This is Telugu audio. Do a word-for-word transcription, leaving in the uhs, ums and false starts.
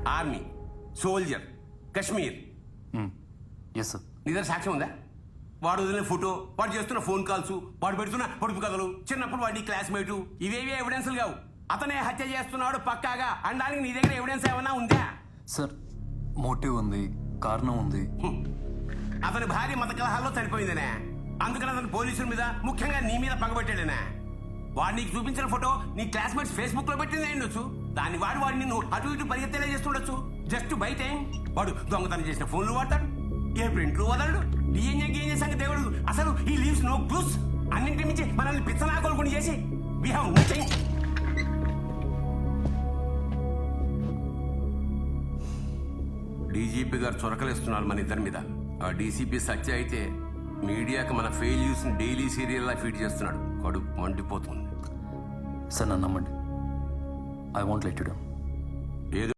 Army, soldier, Kashmir. Yes sir. నీ దగ్గర సాక్ష్యం ఉందా? వాడు వదిలిన ఫోటో, వాడు చేస్తున్న ఫోన్ కాల్స్, వాడు పెడుతున్న పొడుపు కథలు, చిన్నప్పుడు వాడి క్లాస్మేటు, ఇవేవి ఎవిడెన్స్లు కావు. అతనే హత్య చేస్తున్నాడు పక్కాగా అనడానికి నీ దగ్గర ఎవిడెన్స్ ఏమైనా ఉందా? సార్ మోటివ్ ఉంది, కారణం ఉంది. హ్మ్. అతని భార్య మత కలహాల్లో చనిపోయిందనే, అందుకని అతను పోలీసుల మీద, ముఖ్యంగా నీ మీద పగబట్టాడనే. వాడు నీకు చూపించిన ఫోటో నీ క్లాస్మేట్స్ ఫేస్బుక్ లో పెట్టింది ఉండొచ్చు. దాన్ని వాడు వాడిని నువ్వు అటు ఇటు పరిగెత్తేలా చేస్తుండొచ్చు. జస్ట్ బయట వాడు దొంగతనం చేసిన ఫోన్లు వాడతాడు, ఏ ప్రింట్లు వదలడు, డిఎన్ఏ గీఎన్ఏ సంగతి దేవుడు. అసలు ఈ లీవ్స్ నో క్లూస్. అన్నింటి మించి మనల్ని పిచ్చనాకోలుకొని చేసి వి హావ్ నథింగ్. డీజీపీ గారు చొరకలేస్తున్నారు మన ఇద్దరి మీద. ఆ డీసీపీ సత్య అయితే మీడియాకి మన ఫెయిల్యూస్ డైలీ సీరియల్లా ఫీడ్ చేస్తున్నాడు. కడుపు మండిపోతుంది. సార్ నన్ను నమ్మండి, I want let you down.